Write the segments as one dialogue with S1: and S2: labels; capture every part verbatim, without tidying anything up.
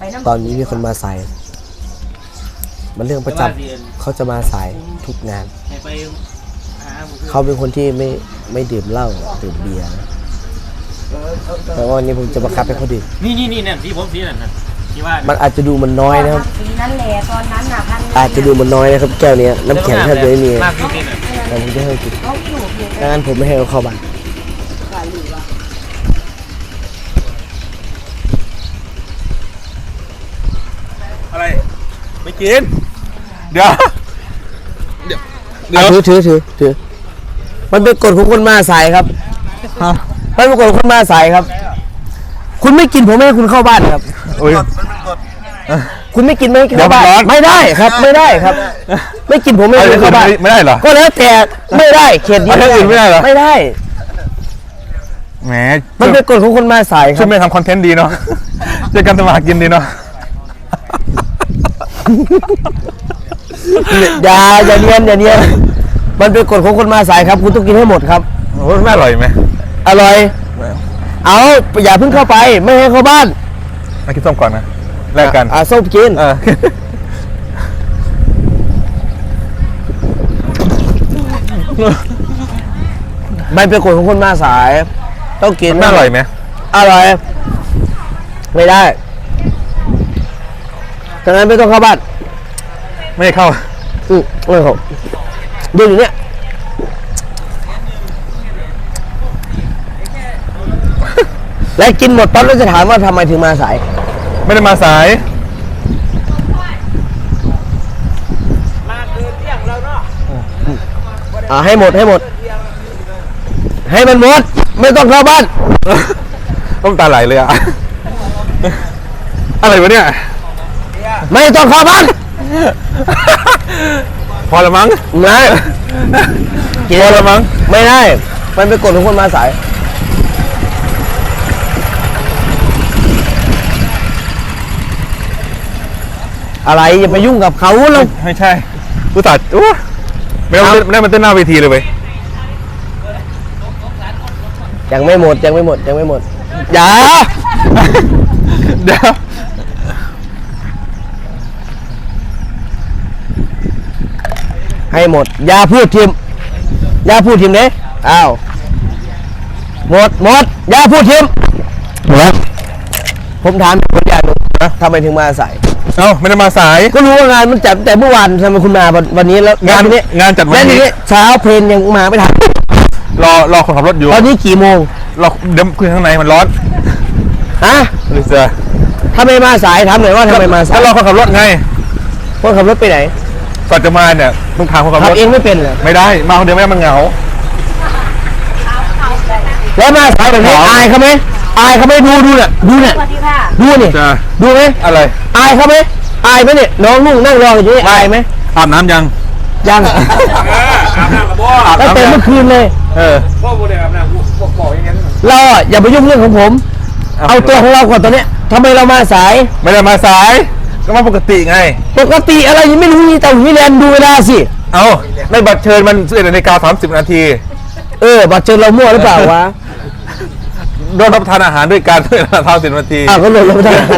S1: ตอนนี้มีคนมาสายมันเรื่องประจำเขาจะมาสายทุกงานเขาเป็นคนที่ไม่ไม่ดื่มเหล้าดื่มเบียร์แต่ว่าวันนี้ผมจะบังคับให้เขาดื่ม
S2: นี่นี่นี่เนี่ยที่ผมสีนั่นนะที่ว่า
S1: มันอาจจะดูมันน้อยนะครับ
S3: สีนั่นแหละตอนนั้นน่ะพัน
S1: อาจจะดูมันน้อยนะครับแก้วนี้น้ำแข็งแทบจะไม่มีแต่ผมจะให้กินดังนั้นผมไม่ให้เขาเข้าบ้าน
S4: อะไรไม่กินเดี๋ยว
S1: เดี๋ยวถือถือถือถือมันเป็นกฎของคนมาสายครับมันเป็นกฎของคนมาสายครับคุณไม่กินผมไม่ให้คุณเข้าบ้านครับคุณไม่กินไม่ให้กินเข้าบ้านไม่ได้ครับไม่ได้ครับไม่กินผมไม่ให้เข้าบ้าน
S4: ไม่ได้เหรอ
S1: ก็แล้วแต่ไม่ได้เขตนี้
S4: ไม่ได้ไม่ได้เหรอ
S1: ไม่ได้
S4: แหม
S1: มันเป็นกฎของคนมาสายครับ
S4: ช่วยไม่ทำคอนเทนต์ดีเนาะช่วยกันทำมาหากินดีเนาะ
S1: อย่าอย่าเนียนอย่าเนียนมันเป็นกฎของคนมาสายครับคุณต้องกินให้หมดครับ
S4: โอ้ไม่อร่อยไหม
S1: อร่อยเอาอย่าเพิ่งเข้าไปไม่ให้เข้าบ้าน
S4: มากินส้มก่อนนะแลกกัน
S1: อ่าส้มกินมันเป็นกฎของคนมาสายต้องกิน
S4: ไม่อร่อยไหม
S1: อร่อยไม่ได้ดังนั้นไม่ต้องเข้าบ้าน
S4: ไม่เข้า
S1: อืมไม่เข้าดูอยู่เนี่ยและกินหมดปั๊บแล้วจะถามว่าทำไมถึงมาสาย
S4: ไม่ได้มาสาย
S3: มาเกินเที่ยงแล้วเนาะ
S1: อ่าให้หมดให้หมดให้มันหมดไม่ต้องเข้าบ้าน
S4: น้ำตาไหลเลยอะอะไรวะเนี่ย
S1: ไม่ต้องเข้าบ้าน
S4: พอละมั้ง
S1: ไม่
S4: พอละมั้ง
S1: ไม่ได้มันเป็นกฎของคนมาสายอะไรอย่าไปยุ่งกับเขาเรา
S4: ไม่ใช่ผู้ตัดโอ้ไม่ได้ไม่ได้มันเต้นหน้าเวทีเลยเว้ย
S1: ยังไม่หมดยังไม่หมดยังไม่หมดอย่า
S4: เดี๋ยว
S1: ให้หมดอย่าพูดทีมอย่าพูดทีมเด้อ้าวหมดหมดอย่าพูดทีมหมดผมถามคนอย่างนึงนะทำไมถึงมาสาย
S4: เอ้าไม่ได้มาสาย
S1: ก็รู้ว่างานมันจัดแต่เมื่อวานทำไมคุณมาวันนี้แล้ว
S4: งานนี้งานจัดวันนี้
S1: เช้าเพลนยังมาไม่ทัน
S4: รอรอคนขับรถอยู่
S1: ตอนนี้กี่โมง
S4: รอเดี๋ยวคุยข้างในมันร้อน
S1: ฮะ
S4: ลิซ่า
S1: ทำไมมาสายถามหน่อยว่าทำไมมาสาย
S4: รอคนขับรถไง
S1: คนขับรถไปไหน
S4: ก่อนจะมาเนี่ยต้องถามคนขับรถ
S1: เองไม่เป็นเหรอ
S4: ไม่ได้มาคนเดียวไม่ได้มันเหงา
S1: แล้วมาสายแบบนี้อายเขาไหมอายเขาไหมดูดูเนี่ยดูเนี่ยดูเนี่ยดูไหม
S4: อะไร
S1: อายเขาไหมอายไหมเนี่ยน้องนุ่งนั่งรออยู่นี่อายไหม
S4: อาบน้ำยัง
S1: ยัง
S4: อาบน้ำกับบ่
S1: ตั้งแต่เมื่อคืนเลย
S4: เออ
S1: บ่บ่ได้อาบน้ำบอกบอกอย่างนั้นเราอ่ะอย่าไปยุ่งเรื่องของผมเอาตัวของเราก่อนตอนนี้ทำไมเรามาสาย
S4: ไม่ได้มาสายก็มาปกติไง
S1: ปกติอะไรยังไม่รู้นี่แต่วิแลนดูเวลาสิ
S4: เอาในบัตรเชิญมันสิบเอ็ดนาฬิกาสามสิบนาที
S1: เออบัตรเชิญเรามั่วหรือเปล่าวะ
S4: โดนรับประทานอาหารด้วยการเพื่อเท่าสิบนาที
S1: อ้าวก็โดนรับประทานอาหาร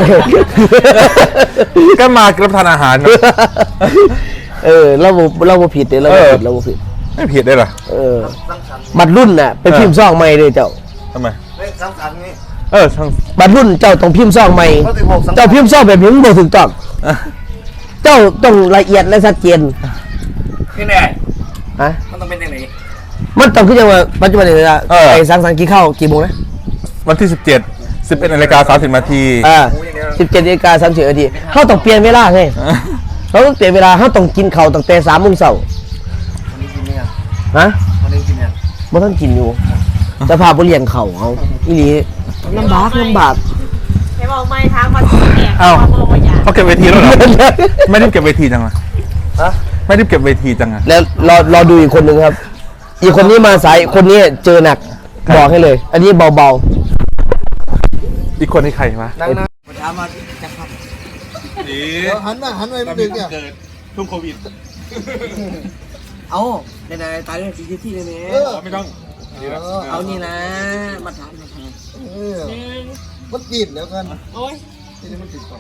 S4: ก็มารับประทานอาหาร
S1: เออเราเราผิดเลยเราผิดเราผิด
S4: ไม่ผิดได้หรอ
S1: เออบัตรรุ่นน่ะไปพิมพ์ซองใหม่เลยเจ้า
S4: ทำไม
S5: สำคัญนี่
S4: เออ
S1: บัตรรุ่นเจ้าต้องพิมพ์ซองใหม่เจ้าพิมพ์ซองแบบนี้มันบ่ถูกต้องเจ้าต้องละเอียดและชัดเจน
S5: นี่แน่
S1: ฮะ
S5: มันต้องเป็นยังไง
S1: มันต้องขึ้นยังว่าปัจจุบันนี้นะไอ้สังสรรค์กี่เข้ากี่โมงนะ
S4: วันที่สิบเจ็ดสิบเอ็ดนาฬิกาสามสิบนาที
S1: อ่าสิบเจ็ดนาฬิกาสามสิบนาทีเขาต้องเปลี่ยนเวลาไงเขาต้องเปลี่ยนเวลาเขาต้องกินข้าวตั้งแต่สามโมงเช้า
S5: วันนี้กินยัง
S1: ฮะ
S5: วันนี้กินยัง
S1: บ่ต้องกินอยู่จะพาไปเลี้ยงเขาเอาอีนี้ลำบากลำบาก
S3: ไอ้บอกไม่ทางมาแก่
S4: อ้าวเขาเก็บเวทีแล้วเหรอไม่ได้เก็บเวทีจังอะฮะไม่ได้เก็บเวทีจังอะ
S1: แล้วรอรอดูอีกคนหนึ่งครับอีกคนนี้มาสายคนนี้เจอหนักบอกให้เลยอันนี้เบา
S4: ๆอีกคนนี้ใครวะ
S5: นั่งนะมาถามมาจะครับ
S4: ดี
S5: หันมาหันไปมันดึกเนี่ย
S4: เกิดช่วงโควิด
S5: เอาในในตายเรื่องที่ที่เลยเนี่ย
S4: ไม่ต้อง
S5: เอานี่นะมาถามมาถามมันปิดแล้วกัน
S3: โอ้ย
S5: นี่มันติดกล่อง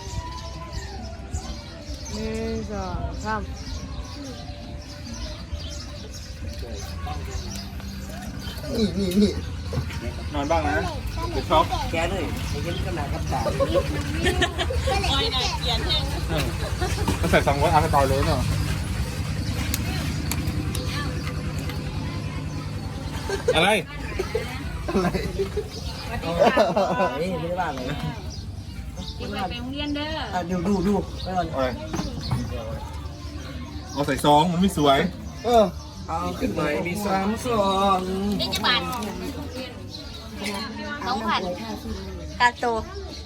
S3: หนึ่งสองสาม
S5: นี่นี่นี่
S4: นอนบ้างนะเดี๋ยวช็อก
S5: แกเลยไอ้เห็นขนาดกับตา
S4: ก็ใส่สองวัตอาร์ตอยเลยเนาะอะไร
S5: อะไร
S3: สวัสดีค่ะ
S5: เฮ้ยไม่ได้บ้าเลย
S3: กินไปโรงเรียนเด้อ
S5: อ่ะดูดูดูไปก่อน
S4: อะไรเอาใส่ซองมันไม่สวย
S5: เออเอาขึ้นใหม่มีสามซอง
S6: นี่จะบาทสองพันกาโต